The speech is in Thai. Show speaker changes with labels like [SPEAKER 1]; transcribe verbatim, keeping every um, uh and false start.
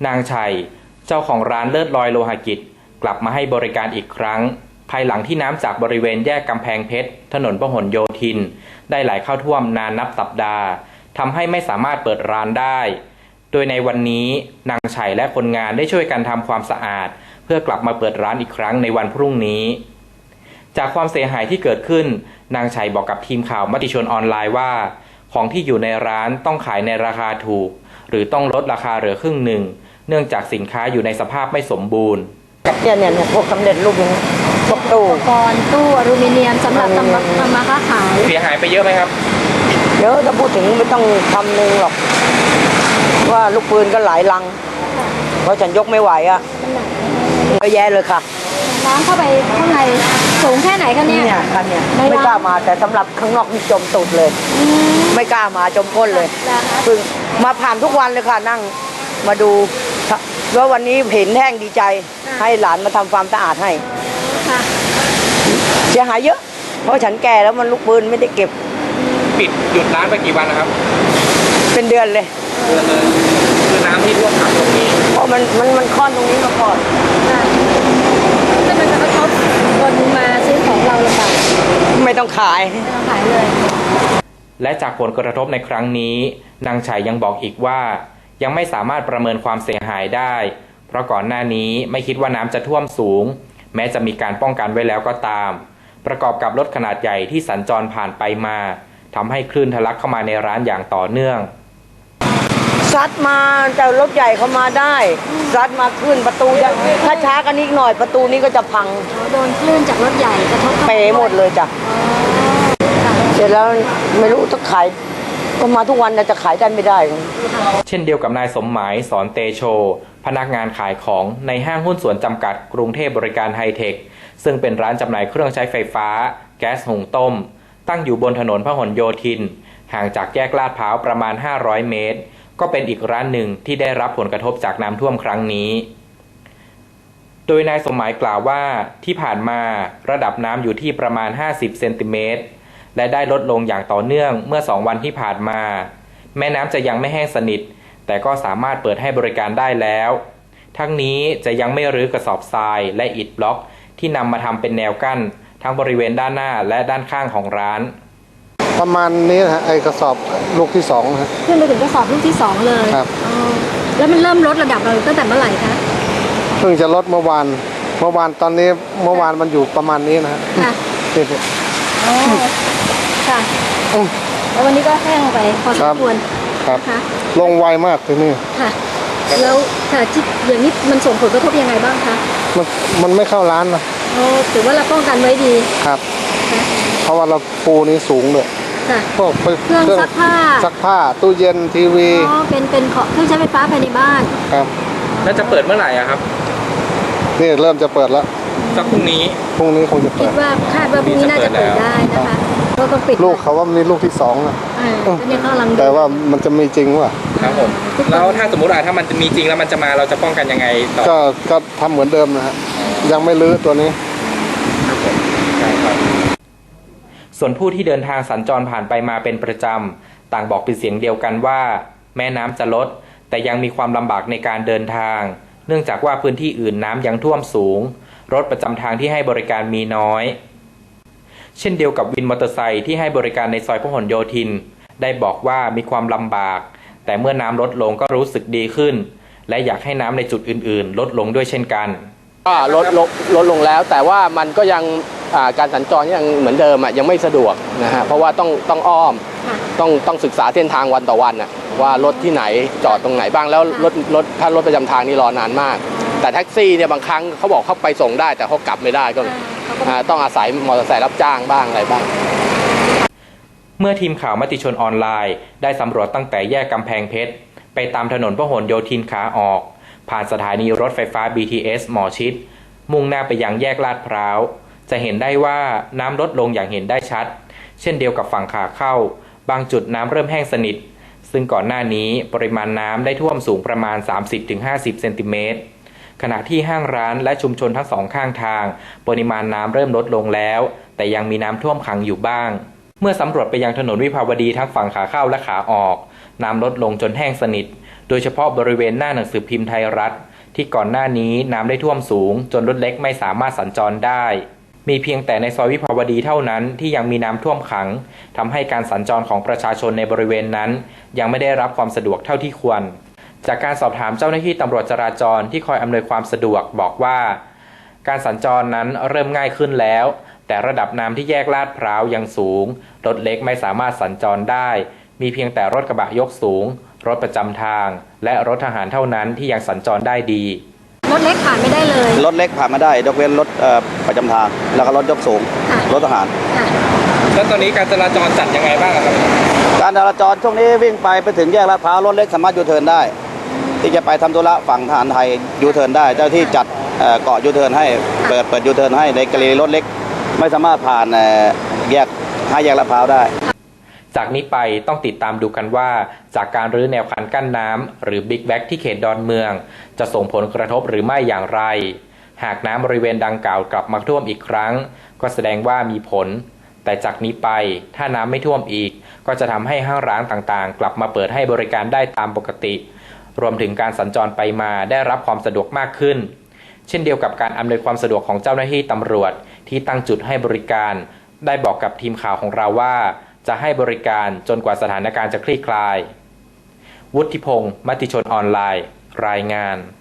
[SPEAKER 1] นางชัยเจ้าของร้านเลิศลอยโลหกิจกลับมาให้บริการอีกครั้งภายหลังที่น้ำจากบริเวณแยกกำแพงเพชรถนนพหลโยธินได้ไหลเข้าท่วมนานนับสัปดาห์ทำให้ไม่สามารถเปิดร้านได้โดยในวันนี้นางชัยและคนงานได้ช่วยกันทำความสะอาดเพื่อกลับมาเปิดร้านอีกครั้งในวันพรุ่งนี้จากความเสียหายที่เกิดขึ้นนางชัยบอกกับทีมข่าวมติชนออนไลน์ว่าของที่อยู่ในร้านต้องขายในราคาถูกหรือต้องลดราคาเหลือครึ่งหนึ่งเนื่องจากสินค้าอยู่ในสภาพไม่สมบูรณ์
[SPEAKER 2] เนี่ยเนี่ยพวกสำเร็จรูปพวกตู้
[SPEAKER 3] อุปกรณ์ตู้อลูมิเนียมสำหรับทำทำมาค้าขาย
[SPEAKER 1] เสียหายไปเยอะไหมครับ
[SPEAKER 2] เยอะถ้าพูดถึงไม่ต้องทำหนึ่งหรอกว่าลูกปืนก็หลายลังเพราะฉันยกไม่ไหวอ่ะเยอะแยะเลยค่ะ
[SPEAKER 3] น้ำเข้าไปข้างในสูงแค่ไหนกันเนี่ย
[SPEAKER 2] เนี่ยคันเนี่ยไม่กล้ามาแต่สำหรับข้างนอกนี่จมตุดเลยไม่กล้ามาจมก้นเลยเพิ่งมาผ่านทุกวันเลยค่ะนั่งมาดูว่าวันนี้เห็นแห้งดีใจให้หลานมาทำความสะอาดให้เสียหายเยอะเพราะฉันแก่แล้วมันลูกปืนไม่ได้เก็บ
[SPEAKER 1] ปิดหยุดร้านไปกี่วันนะครับ
[SPEAKER 2] เป็นเดือนเลย
[SPEAKER 1] เดือนเลยคือน้ำที่ท่วมขังตรงนี้
[SPEAKER 2] เพราะมันมันมันค่อนตรงนี้มาก่อน
[SPEAKER 3] ถ้ามันจะกระทบคนมาซื้อของเราหรือเปล่า
[SPEAKER 2] ไม่ต้องขาย
[SPEAKER 3] ไม่ต้องขายเลย
[SPEAKER 1] และจากผลกระทบในครั้งนี้นางชัยยังบอกอีกว่ายังไม่สามารถประเมินความเสียหายได้เพราะก่อนหน้านี้ไม่คิดว่าน้ำจะท่วมสูงแม้จะมีการป้องกันไว้แล้วก็ตามประกอบกับรถขนาดใหญ่ที่สัญจรผ่านไปมาทำให้คลื่นทะลักเข้ามาในร้านอย่างต่อเนื่อง
[SPEAKER 2] ซัดมาแต่รถใหญ่เข้ามาได้ซัดมาขึ้นประตูถ้าช้ากันนิดหน่อยประตูนี้ก็จะพัง
[SPEAKER 3] โดนคลื่นจากรถใหญ่กระทบ
[SPEAKER 2] เป๋หมดเลยจ้ะเสร็จแล้วไม่รู้จะขายก็มาทุกวันจะขายได้ไม่ได้
[SPEAKER 1] เช่นเดียวกับนายสมหมายสอนเตโชพนักงานขายของในห้างหุ้นส่วนจำกัดกรุงเทพบริการไฮเทคซึ่งเป็นร้านจำหน่ายเครื่องใช้ไฟฟ้าแก๊สหุงต้มตั้งอยู่บนถนนพหลโยธินห่างจากแยกลาดพร้าวประมาณห้าร้อยเมตรก็เป็นอีกร้านหนึ่งที่ได้รับผลกระทบจากน้ำท่วมครั้งนี้โดยนายสมหมายกล่าวว่าที่ผ่านมาระดับน้ำอยู่ที่ประมาณห้าสิบเซนติเมตรและได้ลดลงอย่างต่อเนื่องเมื่อสองวันที่ผ่านมาแม่น้ำจะยังไม่แห้งสนิทแต่ก็สามารถเปิดให้บริการได้แล้วทั้งนี้จะยังไม่รื้อกระสอบทรายและอิฐบล็อกที่นำมาทำเป็นแนวกั้นทั้งบริเวณด้านหน้าและด้านข้างของร้าน
[SPEAKER 4] ประมาณนี้นะไอ้กระสอบลูกที่สองนะ
[SPEAKER 3] ขึ้นไปถึงกระสอบลูกที่สองเลย
[SPEAKER 4] ครับ
[SPEAKER 3] แล้วมันเริ่มลดระดับเราตั้งแต่เมื่อไหร่คะ
[SPEAKER 4] เพิ่งจะลดเมื่อวานเมื่อวานตอนนี้เมื่อวานมันอยู่ประมาณนี้นะ
[SPEAKER 3] ค่ะอ๋อค่ะแล้ววันนี้ก็แห้งไปพอสมควร
[SPEAKER 4] ครับลงไวมากทีนี้
[SPEAKER 3] ค่ะแล้วค่ะที่อย่างนี้มันส่งผลกระทบยังไงบ้างคะ
[SPEAKER 4] มันมันไม่เข้าร้านนะ
[SPEAKER 3] โอ้ถือว่าเราป้องกันไว้ดี
[SPEAKER 4] ครับเพราะว่าเราปูนี้สูงเลย
[SPEAKER 3] พวกเครื่องซักผ้า
[SPEAKER 4] ซักผ้าตู้เย็นทีวี
[SPEAKER 3] อ๋อเป็นเป็นเครื่องใช้ไฟฟ้าภายในบ้าน
[SPEAKER 4] ครับ
[SPEAKER 1] แล้วจะเปิดเมื่อไหร่อะครับ
[SPEAKER 4] นี่เริ่มจะเปิดแล้ว
[SPEAKER 1] สักพรุ่งนี้
[SPEAKER 4] พรุ่งนี้คงจะเปิด
[SPEAKER 3] คิดว่าคาดว่าพรุ่งนี้น่าจะเปิดได้นะคะก็ต้องปิด
[SPEAKER 4] ลูกเขาว่ามีลูกที่สองนะแต่ว่ามันจะมีจริงว่ะ
[SPEAKER 1] ครับผมแล้วถ้าสมมติว่าถ้ามันจะมีจริงแล้วมันจะมาเราจะป้องกันยังไงต่อ
[SPEAKER 4] ก็ก็ทำเหมือนเดิมนะฮะยังไม่รื้อตัวนี้
[SPEAKER 1] ครับผมใช่ครับส่วนผู้ที่เดินทางสัญจรผ่านไปมาเป็นประจำต่างบอกเป็นเสียงเดียวกันว่าแม้น้ำจะลดแต่ยังมีความลำบากในการเดินทางเนื่องจากว่าพื้นที่อื่นน้ำยังท่วมสูงรถประจำทางที่ให้บริการมีน้อยเช่นเดียวกับวินมอเตอร์ไซค์ที่ให้บริการในซอยพหลโยธินได้บอกว่ามีความลำบากแต่เมื่อน้ำลดลงก็รู้สึกดีขึ้นและอยากให้น้ำในจุดอื่นๆลดลงด้วยเช่นกัน
[SPEAKER 5] ก็ลดลดลดลงแล้วแต่ว่ามันก็ยังการสัญจรยังเหมือนเดิมอ่ะยังไม่สะดวกนะฮะเพราะว่าต้องต้องอ้อมต้องต้องศึกษาเส้นทางวันต่อวันอ่ะว่ารถที่ไหนจอดตรงไหนบ้างแล้วรถรถถ้ารถประจำทางนี่รอนานมากแต่แท็กซี่เนี่ยบางครั้งเขาบอกเขาไปส่งได้แต่เขากลับไม่ได้ก็ต้องอาศัยมอเตอร์ไซค์รับจ้างบ้างอะไรบ้าง
[SPEAKER 1] เมื่อทีมข่าวมติชนออนไลน์ได้สำรวจตั้งแต่แยกกำแพงเพชรไปตามถนนพหลโยธินขาออกผ่านสถานีรถไฟฟ้า บี ที เอส หมอชิตมุ่งหน้าไปยังแยกลาดพร้าวจะเห็นได้ว่าน้ำลดลงอย่างเห็นได้ชัดเช่นเดียวกับฝั่งขาเข้าบางจุดน้ำเริ่มแห้งสนิทซึ่งก่อนหน้านี้ปริมาณน้ำได้ท่วมสูงประมาณ สามสิบถึงห้าสิบ เซนติเมตรขณะที่ห้างร้านและชุมชนทั้งสองข้างทางปริมาณน้ำเริ่มลดลงแล้วแต่ยังมีน้ำท่วมขังอยู่บ้างเมื่อสำรวจไปยังถนนวิภาวดีทั้งฝั่งขาเข้าและขาออกน้ำลดลงจนแห้งสนิทโดยเฉพาะบริเวณหน้าหนังสือพิมพ์ไทยรัฐที่ก่อนหน้านี้น้ำได้ท่วมสูงจนรถเล็กไม่สามารถสัญจรได้มีเพียงแต่ในซอยวิภาวดีเท่านั้นที่ยังมีน้ำท่วมขังทำให้การสัญจรของประชาชนในบริเวณนั้นยังไม่ได้รับความสะดวกเท่าที่ควรจากการสอบถามเจ้าหน้าที่ตำรวจจราจรที่คอยอำนวยความสะดวกบอกว่าการสัญจรนั้นเริ่มง่ายขึ้นแล้วแต่ระดับน้ำที่แยกลาดพร้าวยังสูงรถเล็กไม่สามารถสัญจรได้มีเพียงแต่รถกระบะยกสูงรถประจำทางและรถทหารเท่านั้นที่ยังสัญจรได้ดี
[SPEAKER 3] รถเล็กผ่านไม่ได้เลย
[SPEAKER 6] รถเล็กผ่านมาได้ยกเว้นรถประจำทางแล้วก็รถยกสูงรถทหาร
[SPEAKER 1] แล้วตอนนี้การจราจรจัดยังไงบ้างครับ
[SPEAKER 6] การจราจรช่วงนี้วิ่งไปไปถึงแยกลาดพร้าวรถเล็กสามารถยูเทิร์นได้ที่จะไปทำธุระฝั่งทหารไทยยูเทิร์นได้เจ้าที่จัดเกาะยูเทิร์นให้เปิดเปิดยูเทิร์นให้ในกรณีรถเล็กไม่สามารถผ่านแยกห้าแยกลาดพร้าวได้
[SPEAKER 1] จากนี้ไปต้องติดตามดูกันว่าจากการรื้อแนวคันกั้นน้ำหรือบิ๊กแบ็กที่เขตดอนเมืองจะส่งผลกระทบหรือไม่อย่างไรหากน้ำบริเวณดังกล่าวกลับมาท่วมอีกครั้งก็แสดงว่ามีผลแต่จากนี้ไปถ้าน้ำไม่ท่วมอีกก็จะทำให้ห้างร้านต่างๆกลับมาเปิดให้บริการได้ตามปกติรวมถึงการสัญจรไปมาได้รับความสะดวกมากขึ้นเช่นเดียวกับการอำนวยความสะดวกของเจ้าหน้าที่ตำรวจที่ตั้งจุดให้บริการได้บอกกับทีมข่าวของเราว่าจะให้บริการจนกว่าสถานการณ์จะคลี่คลายวุฒิพงษ์มติชนออนไลน์รายงาน